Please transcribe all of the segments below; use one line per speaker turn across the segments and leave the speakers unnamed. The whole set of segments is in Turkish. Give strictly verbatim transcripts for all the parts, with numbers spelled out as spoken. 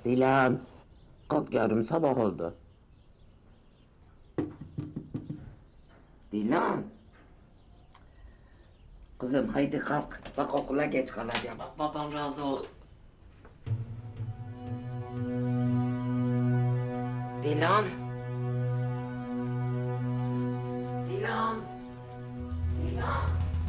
Dilan, kalk yavrum sabah oldu. Dilan. Kızım haydi kalk. Bak okula geç kalacağım. Bak babam razı ol. Dilan. Dilan. Dilan.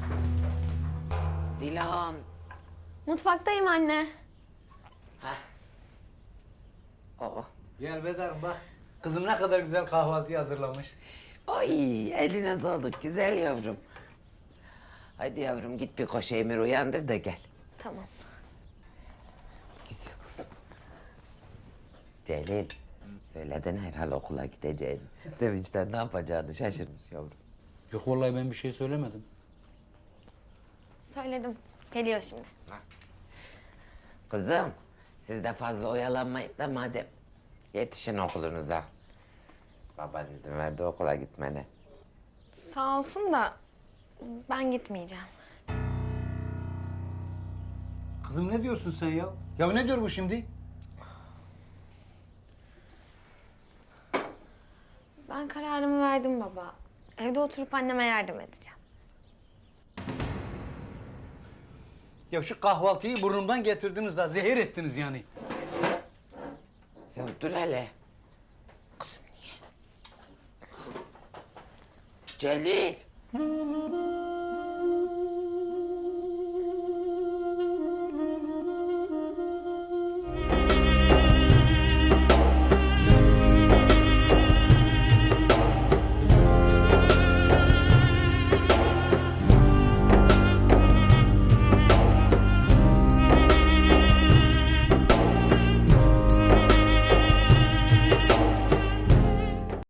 Dilan.
Mutfaktayım anne.
Heh. Aa.
Gel Bedar bak. Kızım ne kadar güzel kahvaltıyı hazırlamış.
Ay eline sağlık güzel yavrum. Haydi yavrum git bir koş Emir uyandır da gel.
Tamam.
Güzel kızım. Celil. Söyledin herhal okula gideceğini. Sevinçten ne yapacağını şaşırmış yavrum.
Yok vallahi ben bir şey söylemedim.
Söyledim. Geliyor şimdi.
Kızım siz de fazla oyalanmayın da madem. Yetişin okulunuza. Baban izin verdi okula gitmene.
Sağ olsun da ben gitmeyeceğim.
Kızım ne diyorsun sen ya? Ya ne diyor bu şimdi?
Ben kararımı verdim baba. Evde oturup anneme yardım edeceğim.
Ya şu kahvaltıyı burnumdan getirdiniz da zehir ettiniz yani.
Ya dur hele. Kızım niye? Celil.